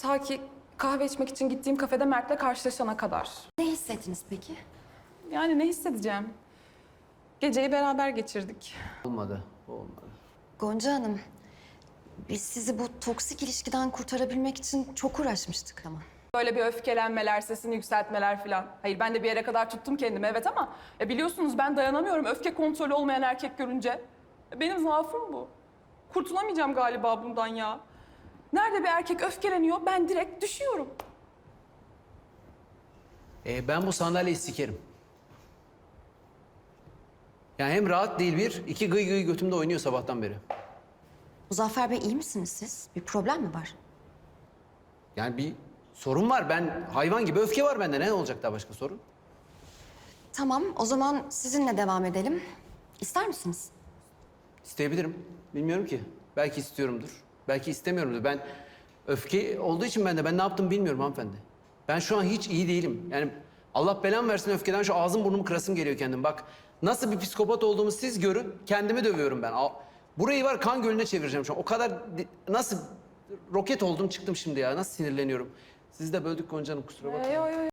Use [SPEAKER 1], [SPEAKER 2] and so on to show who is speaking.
[SPEAKER 1] Ta ki kahve içmek için gittiğim kafede Mert'le karşılaşana kadar.
[SPEAKER 2] Ne hissettiniz peki?
[SPEAKER 1] Yani ne hissedeceğim? Geceyi beraber geçirdik.
[SPEAKER 3] Olmadı, olmadı.
[SPEAKER 2] Gonca Hanım, biz sizi bu toksik ilişkiden kurtarabilmek için çok uğraşmıştık ama.
[SPEAKER 1] Böyle bir öfkelenmeler, sesini yükseltmeler falan. Hayır ben de bir yere kadar tuttum kendimi evet ama biliyorsunuz ben dayanamıyorum öfke kontrolü olmayan erkek görünce. Benim zaafım bu. Kurtulamayacağım galiba bundan ya. Nerede bir erkek öfkeleniyor ben direkt düşüyorum.
[SPEAKER 3] Ben bu sandalyeyi sikerim. Yani hem rahat değil bir, iki gıy gıy götümde oynuyor sabahtan beri.
[SPEAKER 2] Muzaffer Bey iyi misiniz siz? Bir problem mi var?
[SPEAKER 3] Yani bir sorun var. Ben hayvan gibi öfke var bende. Ne olacak daha başka sorun?
[SPEAKER 2] Tamam, o zaman sizinle devam edelim. İster misiniz?
[SPEAKER 3] İsteyebilirim. Bilmiyorum ki. Belki istiyorumdur. Belki istemiyorumdur. Ben öfke olduğu için ben ne yaptım bilmiyorum hanımefendi. Ben şu an hiç iyi değilim. Yani Allah belamı versin öfkeden şu ağzım burnumu kırasım geliyor kendim. Bak nasıl bir psikopat olduğumu siz görün. Kendimi dövüyorum ben. Burayı var kan gölüne çevireceğim şu an. O kadar nasıl roket oldum çıktım şimdi ya. Nasıl sinirleniyorum. Sizi de böldük Gonca Hanım kusura bakmayın.
[SPEAKER 1] Yo yo yo.